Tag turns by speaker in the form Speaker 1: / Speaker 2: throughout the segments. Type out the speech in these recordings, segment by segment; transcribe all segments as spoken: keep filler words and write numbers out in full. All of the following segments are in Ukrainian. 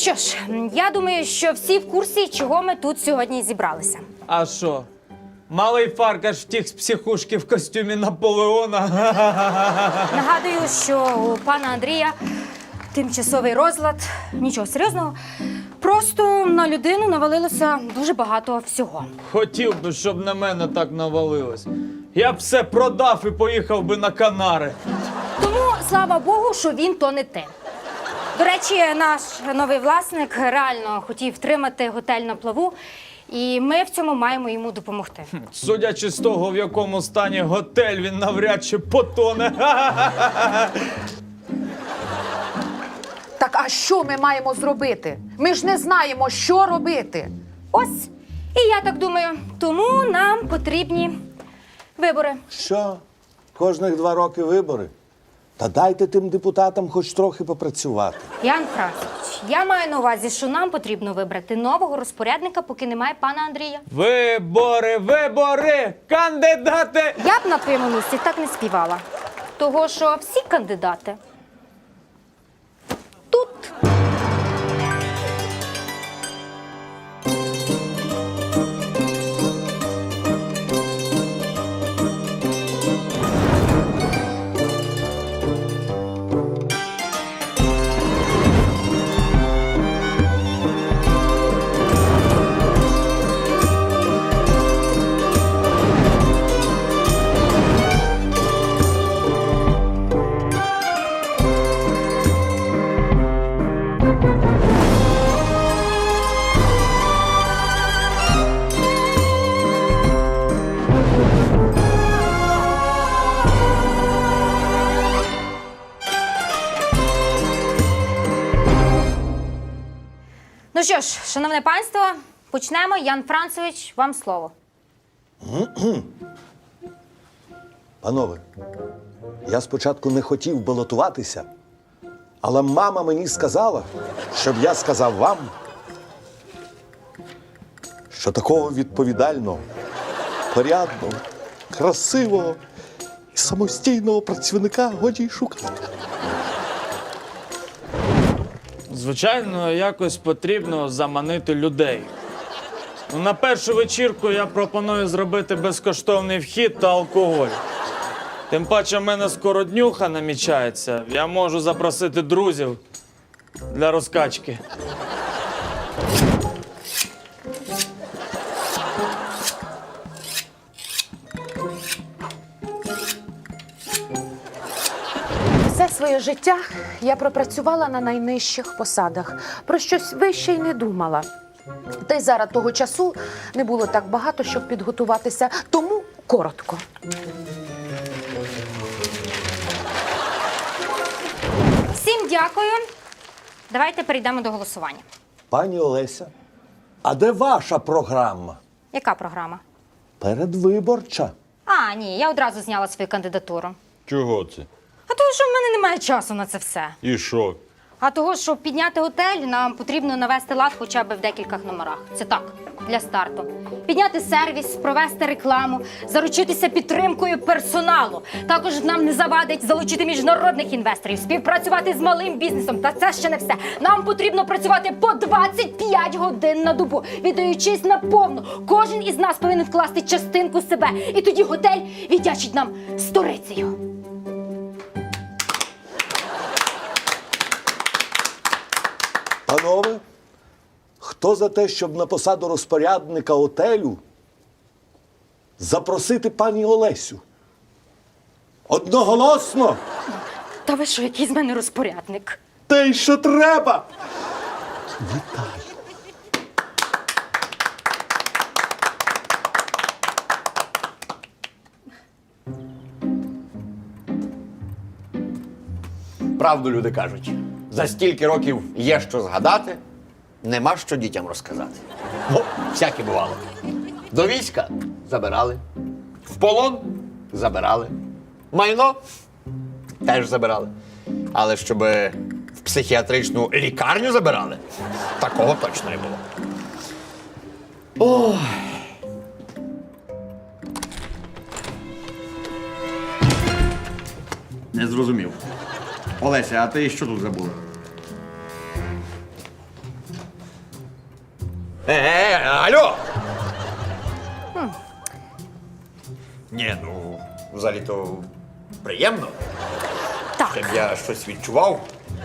Speaker 1: що ж, я думаю, що всі в курсі, чого ми тут сьогодні зібралися.
Speaker 2: А що? Малий Фаркаш втік з психушки в костюмі Наполеона.
Speaker 1: Нагадую, що у пана Андрія тимчасовий розлад. Нічого серйозного. Просто на людину навалилося дуже багато всього.
Speaker 2: Хотів би, щоб на мене так навалилось. Я б все продав і поїхав би на Канари.
Speaker 1: Тому, слава Богу, що він то не те. До речі, наш новий власник реально хотів втримати готель на плаву, і ми в цьому маємо йому допомогти.
Speaker 2: Судячи з того, в якому стані готель, він навряд чи потоне.
Speaker 3: Так а що ми маємо зробити? Ми ж не знаємо, що робити.
Speaker 1: Ось, і я так думаю, тому нам потрібні вибори.
Speaker 4: Що? Кожних два роки вибори? Та дайте тим депутатам хоч трохи попрацювати.
Speaker 1: Ян Францович, я маю на увазі, що нам потрібно вибрати нового розпорядника, поки немає пана Андрія.
Speaker 2: Вибори, вибори, кандидати!
Speaker 1: Я б на твоєму місці так не співала. Того, що всі кандидати тут. Ну що ж, шановне панство, почнемо. Ян Францович, вам слово.
Speaker 4: Панове, я спочатку не хотів балотуватися, але мама мені сказала, щоб я сказав вам, що такого відповідального, порядного, красивого і самостійного працівника годі й шукати.
Speaker 2: Звичайно, якось потрібно заманити людей. Ну, на першу вечірку я пропоную зробити безкоштовний вхід та алкоголь. Тим паче в мене скоро днюха намічається. Я можу запросити друзів для розкачки.
Speaker 3: Все своє життя я пропрацювала на найнижчих посадах. Про щось вище й не думала. Та й зараз того часу не було так багато, щоб підготуватися. Тому коротко.
Speaker 1: Всім дякую. Давайте перейдемо до голосування.
Speaker 4: Пані Олеся, а де ваша програма?
Speaker 1: Яка програма?
Speaker 4: Передвиборча.
Speaker 1: А, ні, я одразу зняла свою кандидатуру.
Speaker 5: Чого це?
Speaker 1: А того, що в мене немає часу на це все.
Speaker 5: І що?
Speaker 1: А того, щоб підняти готель, нам потрібно навести лад хоча б в декількох номерах. Це так, для старту. Підняти сервіс, провести рекламу, заручитися підтримкою персоналу. Також нам не завадить залучити міжнародних інвесторів, співпрацювати з малим бізнесом. Та це ще не все. Нам потрібно працювати по двадцять п'ять годин на добу, віддаючись наповну. Кожен із нас повинен вкласти частинку себе. І тоді готель віддячить нам сторицею.
Speaker 4: Панове, хто за те, щоб на посаду розпорядника готелю запросити пані Олесю? Одноголосно?
Speaker 1: Та ви що, який з мене розпорядник?
Speaker 4: Те, й що треба. Вітаю.
Speaker 6: Правду люди кажуть. За стільки років є що згадати, нема що дітям розказати. Бо всяке бувало. До війська забирали, в полон забирали, майно теж забирали. Але щоб в психіатричну лікарню забирали, такого точно не було. Ой.
Speaker 7: Не зрозумів. Олеся, а ти що тут забула?
Speaker 6: Е, алло! Ні, ну, взагалі-то приємно,
Speaker 1: Так,
Speaker 6: щоб я щось відчував.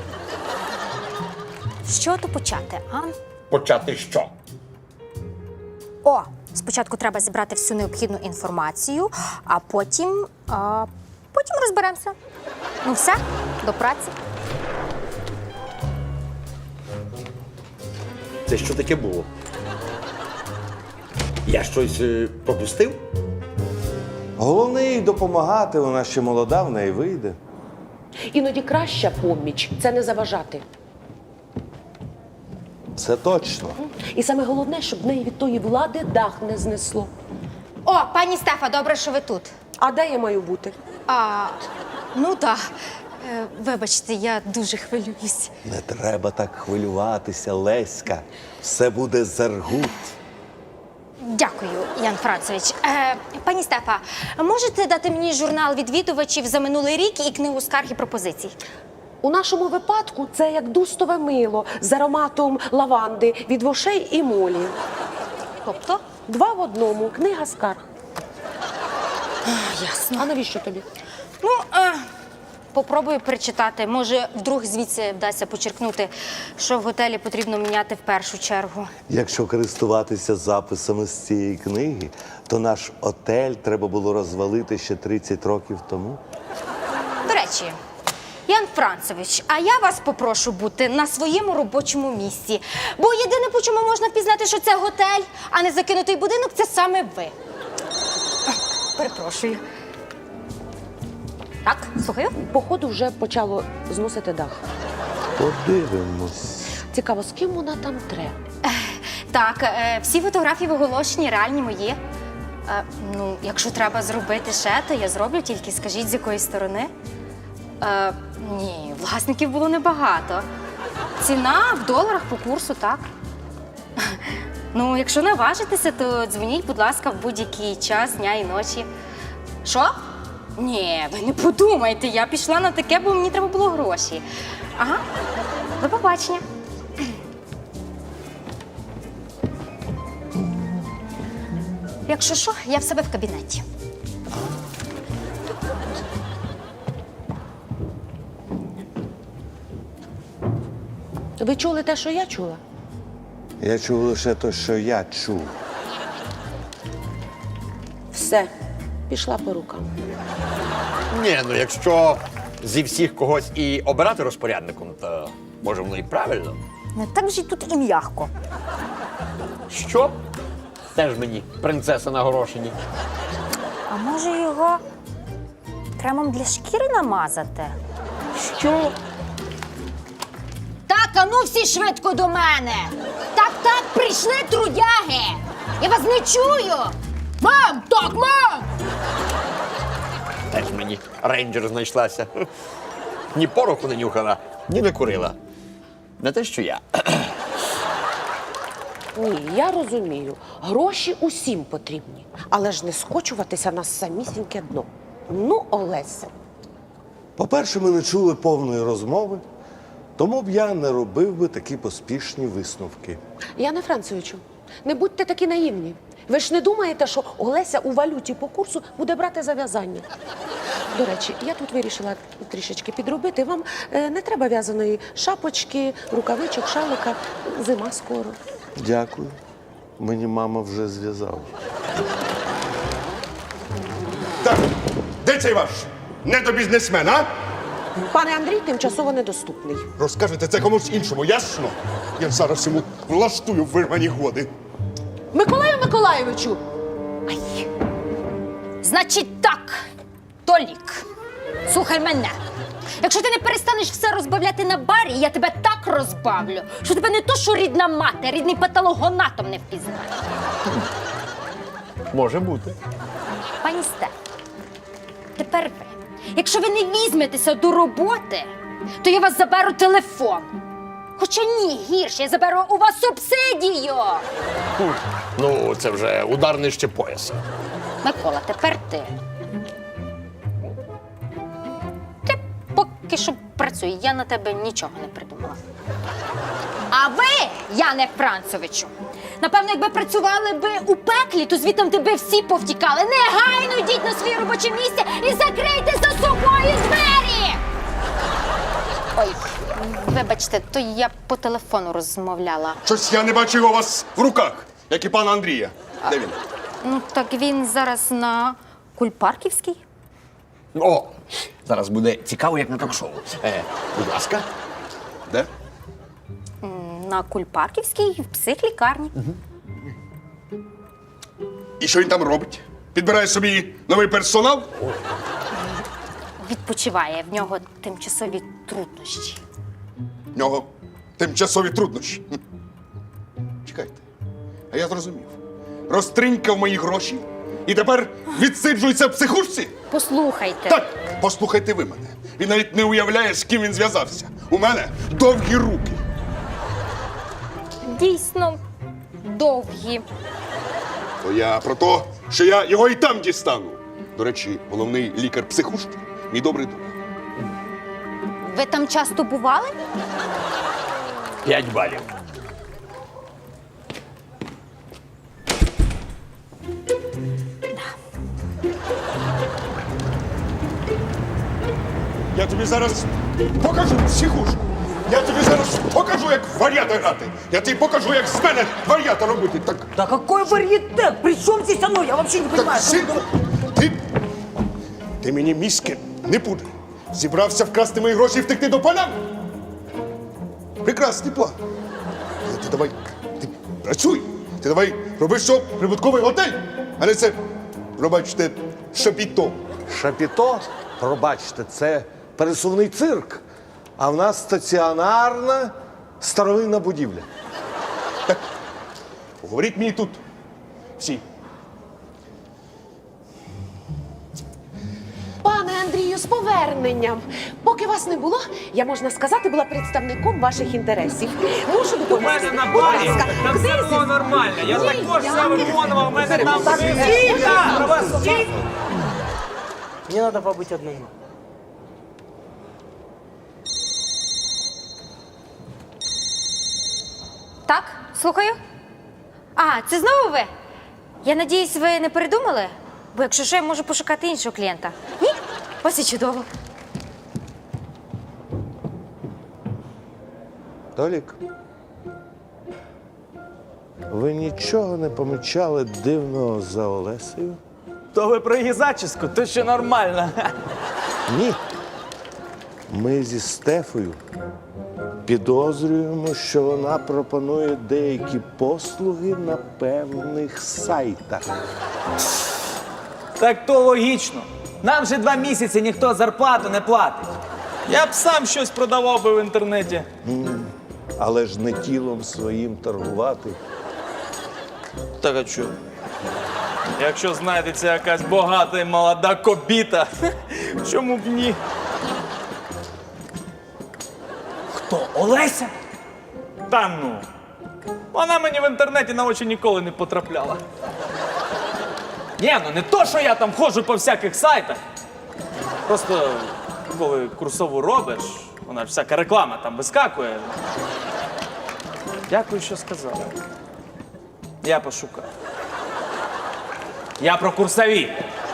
Speaker 1: з чого то почати, а?
Speaker 6: Почати що?
Speaker 1: О, спочатку треба зібрати всю необхідну інформацію, а потім. А, потім розберемося. Ну все, до праці.
Speaker 6: Це що таке було? Я щось е, пропустив?
Speaker 4: Головне їй допомагати, вона ще молода, в неї вийде.
Speaker 3: Іноді краща поміч це не заважати.
Speaker 4: Це точно.
Speaker 3: І саме головне, щоб в неї від тої влади дах не знесло.
Speaker 1: О, пані Стефа, добре, що ви тут.
Speaker 3: А де я маю бути?
Speaker 1: А, ну так. Е, Вибачте, я дуже хвилююсь.
Speaker 4: Не треба так хвилюватися, Леська. Все буде заргут.
Speaker 1: Дякую, Ян Францевич. Е, пані Стефа, можете дати мені журнал відвідувачів за минулий рік і книгу скарг і пропозицій?
Speaker 3: У нашому випадку це як дустове мило з ароматом лаванди від вошей і молі.
Speaker 1: Тобто?
Speaker 3: Два в одному. Книга скарг.
Speaker 1: Ясно.
Speaker 3: А навіщо тобі?
Speaker 1: Ну, е, попробую перечитати. Може, вдруг звідси вдасться почеркнути, що в готелі потрібно міняти в першу чергу.
Speaker 4: Якщо користуватися записами з цієї книги, то наш отель треба було розвалити ще тридцять років тому.
Speaker 1: До речі, Ян Францевич, а я вас попрошу бути на своєму робочому місці. Бо єдине, по чому можна впізнати, що це готель, а не закинутий будинок, це саме ви. Перепрошую. Так, слухаю.
Speaker 3: Походу вже почало зносити дах.
Speaker 4: Подивимось.
Speaker 3: Цікаво, з ким вона там тре?
Speaker 1: Так, е, всі фотографії в оголошенні реальні мої. Е, ну, якщо треба зробити ще, то я зроблю, тільки скажіть, з якої сторони. Е, ні, власників було небагато. Ціна в доларах по курсу, так. Ну, якщо наважитеся, то дзвоніть, будь ласка, в будь-який час дня і ночі. Що? Ні, ви не подумайте, я пішла на таке, бо мені треба було гроші. Ага, до побачення. Якщо що, я в себе в кабінеті.
Speaker 3: Ви чули те, що я чула?
Speaker 4: Я чув лише те, що я чув.
Speaker 3: Все, пішла по рукам.
Speaker 6: Ні, ну якщо зі всіх когось і обирати розпорядником, то може воно і правильно.
Speaker 1: Не так же й тут і м'ягко.
Speaker 6: Що? Теж мені принцеса на горошині.
Speaker 1: А може його кремом для шкіри намазати?
Speaker 6: Що?
Speaker 1: Так, а ну всі швидко до мене! Так, так, прийшли трудяги! Я вас не чую! Мам! Так, мам!
Speaker 6: Теж мені рейнджер знайшлася. Ні пороху не нюхала, ні не курила. Не те, що я.
Speaker 3: Ні, я розумію. Гроші усім потрібні. Але ж не скочуватися на самісіньке дно. Ну, Олеся.
Speaker 4: По-перше, ми не чули повної розмови, тому б я не робив би такі поспішні висновки.
Speaker 3: Яне Францевичу, не будьте такі наївні. Ви ж не думаєте, що Олеся у валюті по курсу буде брати зав'язання? До речі, я тут вирішила трішечки підробити. Вам е, не треба в'язаної шапочки, рукавичок, шалика. Зима скоро.
Speaker 4: Дякую. Мені мама вже зв'язала.
Speaker 5: Так, де цей ваш недобізнесмен, а?
Speaker 3: Пане Андрій тимчасово недоступний.
Speaker 5: Розкажете це комусь іншому, ясно? Я зараз йому влаштую вирвані годи.
Speaker 3: Миколаю Миколайовичу!
Speaker 1: Ай. Значить так, Толік, слухай мене. Якщо ти не перестанеш все розбавляти на барі, я тебе так розбавлю, що тебе не то, що рідна мати, а рідний патологоанатом не впізнає.
Speaker 6: Може бути.
Speaker 1: Пані Стеф, тепер ви. Якщо ви не візьметеся до роботи, то я вас заберу телефон. Хоча ні, гірше, я заберу у вас субсидію.
Speaker 6: Ну, це вже удар нижче пояса.
Speaker 1: Микола, тепер ти. Ти поки що працюй, я на тебе нічого не придумала. А ви, Яне Францовичу, Напевно, якби працювали би у пеклі, то звідти би всі повтікали. Негайно йдіть на своє робоче місце і закрийте за собою двері! Ой, вибачте, то я по телефону розмовляла.
Speaker 5: Щось я не бачив його у вас в руках, як і пана Андрія. Де він?
Speaker 1: Ну, так він зараз на Кульпарківській.
Speaker 6: О, зараз буде цікаво, як на ток-шоу. Е, будь ласка. Де?
Speaker 1: На Кульпарківській в психлікарні.
Speaker 5: І що він там робить? Підбирає собі новий персонал?
Speaker 1: Відпочиває, в нього тимчасові труднощі.
Speaker 5: В нього тимчасові труднощі. Хм. Чекайте, а я зрозумів. Розтринькав мої гроші і тепер відсиджується в психушці?
Speaker 1: Послухайте.
Speaker 5: Так, послухайте ви мене. Він навіть не уявляє, з ким він зв'язався. У мене довгі руки.
Speaker 1: Дійсно довгі.
Speaker 5: То я про те, що я його і там дістану. До речі, головний лікар психушки – мій добрий друг.
Speaker 1: Ви там часто бували?
Speaker 6: П'ять балів.
Speaker 5: Я тобі зараз покажу психушку. Я тобі зараз покажу, як в вар'ята грати. Я тобі покажу, як з мене вар'ята робити. Так,
Speaker 7: Да какой варьетет? При чем здесь оно? Я вообще не
Speaker 5: так,
Speaker 7: понимаю.
Speaker 5: синку, ти, ти мені мізки не пудрь. Зібрався вкрасти мої гроші і втекти до поля? Прекрасний план. Але ти давай, ти працюй. Ти давай роби, що прибутковий готель, а не це, пробачте, шапіто.
Speaker 4: Шапіто, пробачте, це пересувний цирк. А в нас стаціонарна старовинна будівля.
Speaker 5: Говоріть мені тут всі.
Speaker 3: Пане Андрію, з поверненням. Поки вас не було, я, можна сказати, була представником ваших інтересів. Мушу допомогти.
Speaker 8: на
Speaker 3: Будь
Speaker 8: барі.
Speaker 3: ласка,
Speaker 8: Там все
Speaker 3: книзі.
Speaker 8: було нормально. Я
Speaker 3: Ні,
Speaker 8: також
Speaker 3: я
Speaker 8: все
Speaker 3: не-
Speaker 8: виконував. У мене там
Speaker 3: Так,
Speaker 8: все.
Speaker 7: Тихо! Тихо! Мне надо побыть одному.
Speaker 1: Так, слухаю. А, це знову ви? Я надіюсь, ви не передумали? Бо якщо що, я можу пошукати іншого клієнта. Ні? Ось і чудово.
Speaker 4: Толік, ви нічого не помічали дивного за Олесею?
Speaker 2: То ви про її зачіску, то ще нормально.
Speaker 4: Ні. Ми зі Стефою підозрюємо, що вона пропонує деякі послуги на певних сайтах.
Speaker 8: Так то логічно. Нам же два місяці ніхто зарплату не платить.
Speaker 2: Я б сам щось продавав би в інтернеті.
Speaker 4: Але ж не тілом своїм торгувати.
Speaker 2: Так а чого? Якщо знайдеться якась багата і молода кобіта, чому б ні?
Speaker 8: Хто? Олеся?
Speaker 2: Та ну. Вона мені в інтернеті на очі ніколи не потрапляла. Ні, ну не то, що я там ходжу по всяких сайтах. Просто коли курсову робиш, вона ж всяка реклама там вискакує. Дякую, що сказала. Я пошукаю. Я про курсові.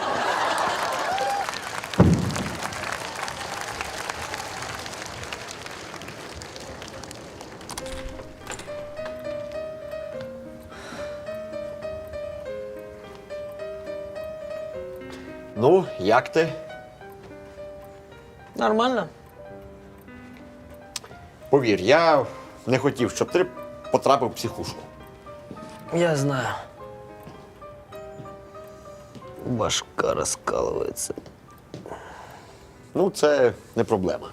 Speaker 6: Ну, як ти?
Speaker 7: Нормально.
Speaker 6: Повір, я не хотів, щоб ти потрапив в психушку.
Speaker 7: Я знаю. Башка раскалывается.
Speaker 6: Ну, це не проблема.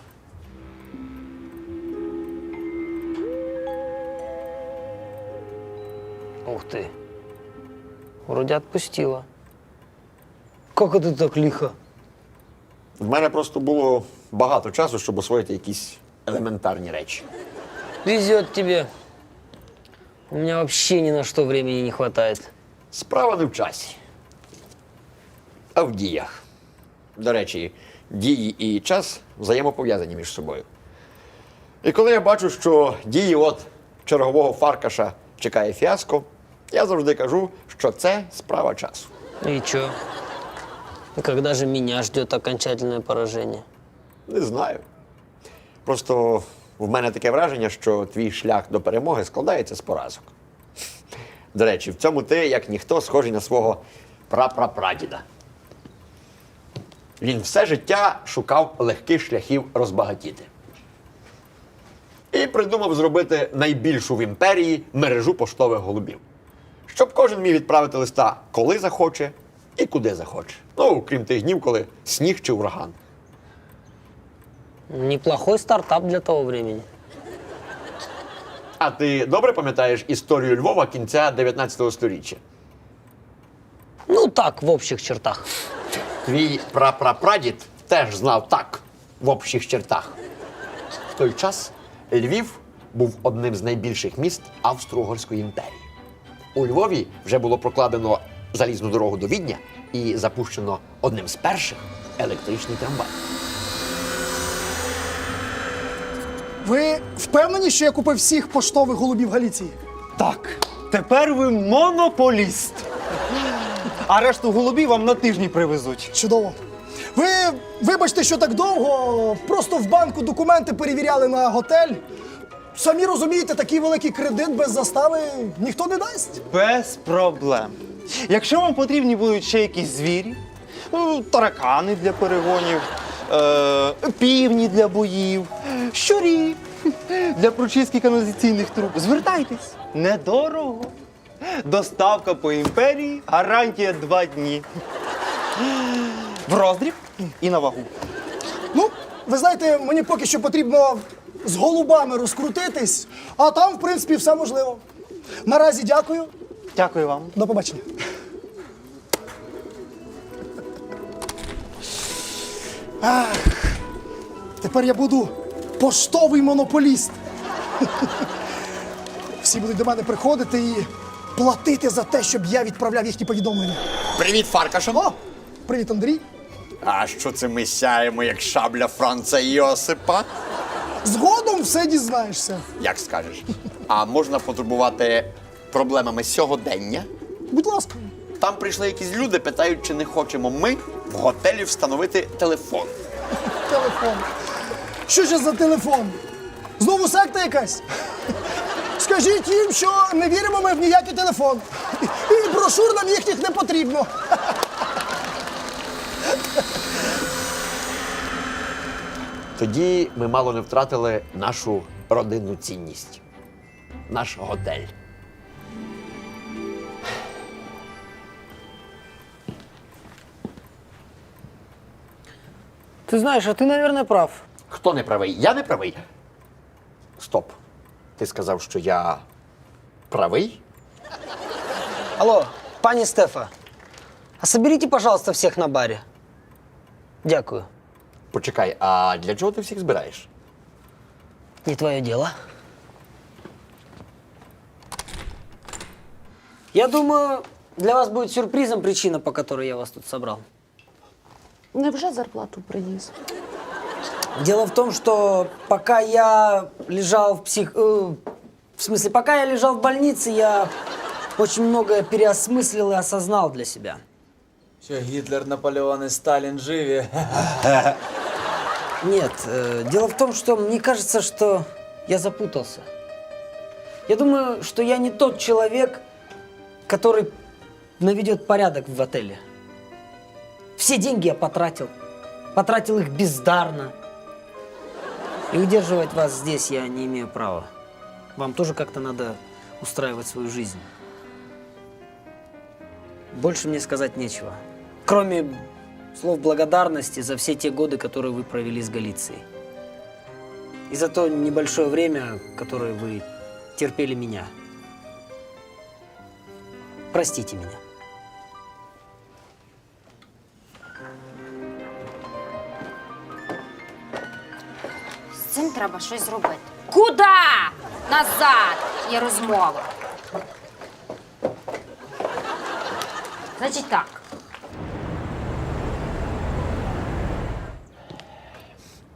Speaker 7: Ух ты. Вроде отпустила. Как это так лихо?
Speaker 6: В мене просто було багато часу, щоб освоїти якісь елементарні речі.
Speaker 7: Везет тебе. У меня вообще ни на что времени не хватает.
Speaker 6: Справа не в часі, а в діях. До речі, дії і час взаємопов'язані між собою. І коли я бачу, що дії от чергового фаркаша чекає фіаско, Я завжди кажу, що це справа часу.
Speaker 7: И чё? Когда же меня ждет окончательное поражение?
Speaker 6: Не знаю. Просто в мене таке враження, що твій шлях до перемоги складається з поразок. До речі, в цьому ти, як ніхто, схожий на свого прапрапрадіда. Він все життя шукав легких шляхів розбагатіти. І придумав зробити найбільшу в імперії мережу поштових голубів. Щоб кожен міг відправити листа, коли захоче і куди захоче. Ну, крім тих днів, коли сніг чи ураган.
Speaker 7: Неплохой стартап для того времени.
Speaker 6: А ти добре пам'ятаєш історію Львова кінця дев'ятнадцятого сторіччя?
Speaker 7: Ну так, в общих чертах.
Speaker 6: Твій прапрапрадід теж знав так, в общих чертах. В той час Львів був одним з найбільших міст Австро-Угорської імперії. У Львові вже було прокладено залізну дорогу до Відня і запущено одним з перших електричний трамвай.
Speaker 9: Ви впевнені, що я купив всіх поштових голубів Галіції?
Speaker 8: Так, тепер ви монополіст. А решту голубів вам на тижні привезуть.
Speaker 9: Чудово. Ви вибачте, що так довго, просто в банку документи перевіряли на готель. Самі розумієте, такий великий кредит без застави ніхто не дасть.
Speaker 8: Без проблем. Якщо вам потрібні будуть ще якісь звірі, ну, таракани для перегонів, е- півні для боїв, щурі для прочистки каналізаційних труб, звертайтесь. Недорого. Доставка по імперії, гарантія два дні. В роздріб і на вагу.
Speaker 9: Ну, ви знаєте, мені поки що потрібно з голубами розкрутитись, а там, в принципі, все можливо. Наразі дякую.
Speaker 8: Дякую вам.
Speaker 9: До побачення. Ах, тепер я буду поштовий монополіст. Всі будуть до мене приходити і платити за те, щоб я відправляв їхні повідомлення.
Speaker 6: Привіт, Фаркаша!
Speaker 9: О, привіт, Андрій.
Speaker 6: А що це ми сяємо, як шабля Франца Йосипа?
Speaker 9: Згодом все дізнаєшся.
Speaker 6: Як скажеш. А можна потурбувати проблемами сьогодення?
Speaker 9: Будь ласка.
Speaker 6: Там прийшли якісь люди, питають, чи не хочемо ми в готелі встановити телефон.
Speaker 9: Телефон. Що ж за телефон? Знову секта якась? Скажіть їм, що не віримо ми в ніякий телефон. І брошур нам їхніх не потрібно.
Speaker 6: Тоді ми мало не втратили нашу родинну цінність. Наш готель.
Speaker 7: Ты знаешь, а ты, наверное, прав.
Speaker 6: Хто не правий? Я не правий. Стоп. Ти сказав, що я правий?
Speaker 7: Алло, пани Стефа, а соберите, пожалуйста, всех на баре. Дякую.
Speaker 6: Почекай, а для чого ти всіх збираєш?
Speaker 7: Не твое дело. Я думаю, для вас будет сюрпризом причина, по которой я вас тут собрал.
Speaker 3: Невже зарплату приніс?
Speaker 7: Дело в том, что пока я лежал в псих... э, в смысле, пока я лежал в больнице, я очень многое переосмыслил и осознал для себя.
Speaker 8: Що Гітлер, Наполеон і Сталін живі.
Speaker 7: Нет, э, дело в том, что мне кажется, что я запутался. Я думаю, что я не тот человек, который наведет порядок в отеле. Все деньги я потратил. Потратил их бездарно. И удерживать вас здесь я не имею права. Вам тоже как-то надо устраивать свою жизнь. Больше мне сказать нечего. Кроме слов благодарности за все те годы, которые вы провели с Галицией. И за то небольшое время, которое вы терпели меня. Простите меня.
Speaker 1: З цим треба щось зробити. Куда? Назад! Є розмова. Значить так.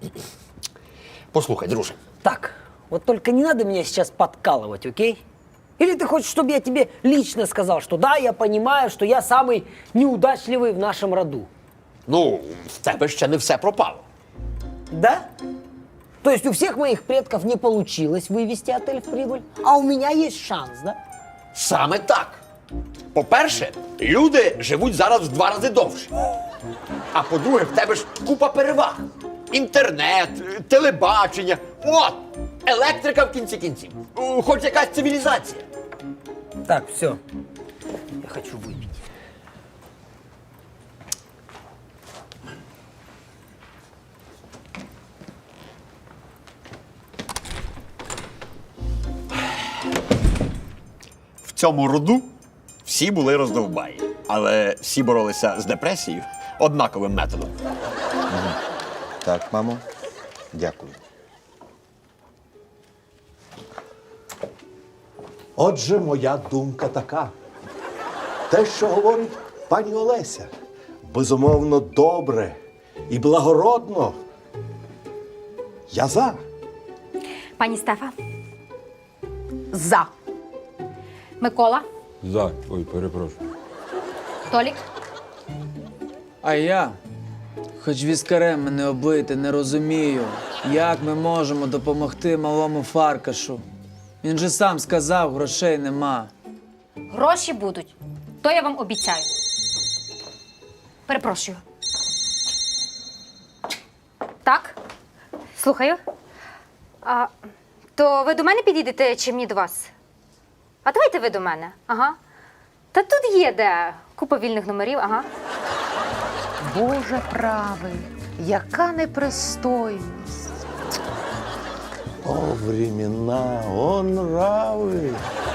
Speaker 6: Послухай, друже.
Speaker 7: Так, вот только не надо меня сейчас подкалывать, окей? Или ты хочешь, чтобы я тебе лично сказал, что да, я понимаю, что я самый неудачливый в нашем роду?
Speaker 6: Ну, в тебе ще не все пропало.
Speaker 7: Да? То есть у всех моих предков не получилось вывести отель в прибыль, а у меня есть шанс, да?
Speaker 6: Саме так. По-перше, люди живуть зараз в два рази довше. А по-друге, в тебе ж купа переваг. Інтернет, телебачення, от, електрика в кінці кінців. О, Хоч якась цивілізація.
Speaker 7: Так, все. Я хочу выпить.
Speaker 6: В цьому роду всі були роздовбаї, але всі боролися з депресією однаковим методом.
Speaker 4: Так, мамо, дякую. Отже, моя думка така. Те, що говорить пані Олеся, безумовно добре і благородно. Я за.
Speaker 1: Пані Стефа,
Speaker 3: За.
Speaker 1: Микола,
Speaker 10: За. Ой, перепрошую.
Speaker 1: Толік.
Speaker 2: А я, хоч віскарем мене облити, не розумію, як ми можемо допомогти малому Фаркашу. Він же сам сказав, грошей нема.
Speaker 1: Гроші будуть. То я вам обіцяю. Перепрошую. Так? Слухаю. А, то ви до мене підійдете чи мені до вас? А давайте ви до мене. Ага. Та тут є де. Купа вільних номерів, ага.
Speaker 3: Боже правий, яка непристойність.
Speaker 4: О, времена, о, нрави.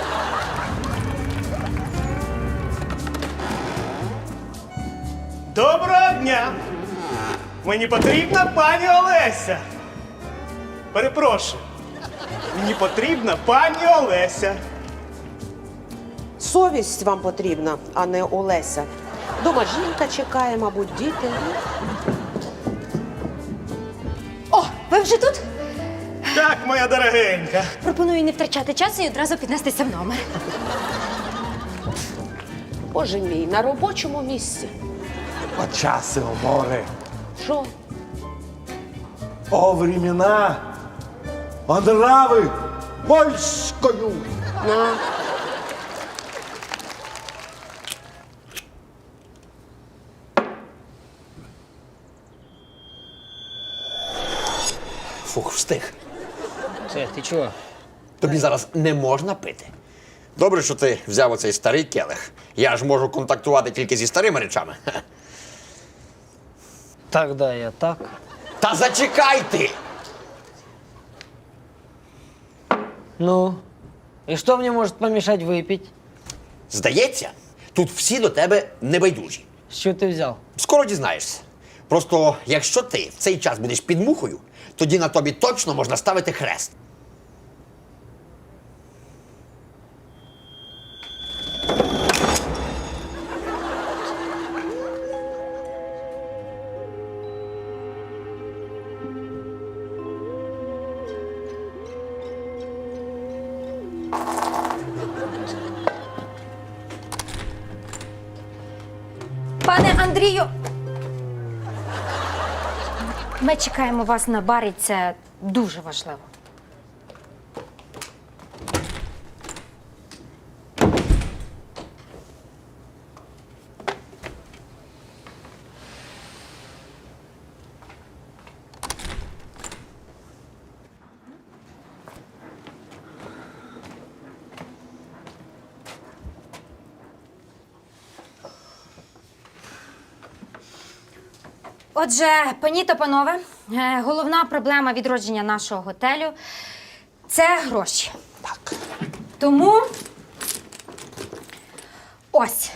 Speaker 9: Доброго дня! Мені потрібна пані Олеся. Перепрошую. Мені потрібна пані Олеся.
Speaker 11: Совість вам потрібна, а не Олеся. Дома жінка чекає, мабуть, діти.
Speaker 1: О, ви вже тут?
Speaker 9: Так, моя дорогенька.
Speaker 1: Пропоную не втрачати часу і одразу піднестися в номер.
Speaker 11: Боже мій, на робочому місці.
Speaker 4: О, часи, о, море.
Speaker 11: Що?
Speaker 4: О, времена, о, нрави, польською.
Speaker 11: На.
Speaker 6: Фух, встиг.
Speaker 7: Э, ты чего?
Speaker 6: Тобі зараз не можна пити. Добре, що ти взяв оцей старий келих. Я ж можу контактувати тільки зі старими речами. Хе.
Speaker 7: Тогда я так.
Speaker 6: Та зачекай ти!
Speaker 7: Ну, и что мне может помешать выпить?
Speaker 6: Здається, тут всі до тебе небайдужі.
Speaker 7: С чего ты взял?
Speaker 6: Скоро дізнаєшся. Просто якщо ти в цей час будеш під мухою, тоді на тобі точно можна ставити хрест.
Speaker 1: Пане Андрію, ми чекаємо вас на барі, це дуже важливо. Отже, пані та панове, е, головна проблема відродження нашого готелю – це гроші.
Speaker 4: Так.
Speaker 1: Тому ось.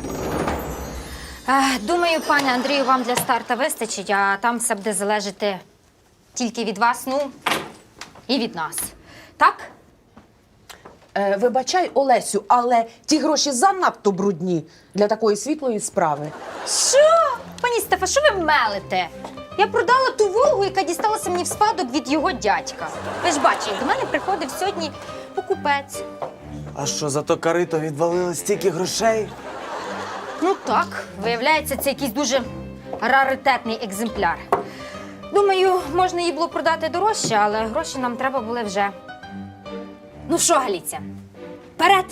Speaker 1: Е, Думаю, пане Андрію, вам для старта вистачить, а там все буде залежати тільки від вас, ну, і від нас. Так?
Speaker 3: Е, вибачай, Олесю, але ті гроші занадто брудні для такої світлої справи.
Speaker 1: Що? Пані Стефа, що ви мелите? Я продала ту Волгу, яка дісталася мені в спадок від його дядька. Ви ж бачили, до мене приходив сьогодні покупець.
Speaker 2: А що, за то карито відвалили стільки грошей?
Speaker 1: Ну так, виявляється, це якийсь дуже раритетний екземпляр. Думаю, можна її було продати дорожче, але гроші нам треба були вже. Ну що, Галіця, вперед!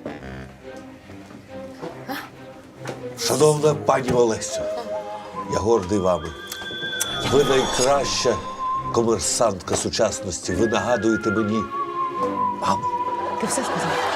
Speaker 4: Шановна пані Олесю, я гордий вами. Ви найкраща комерсантка сучасності. Ви нагадуєте мені маму.
Speaker 3: Ти все сказав?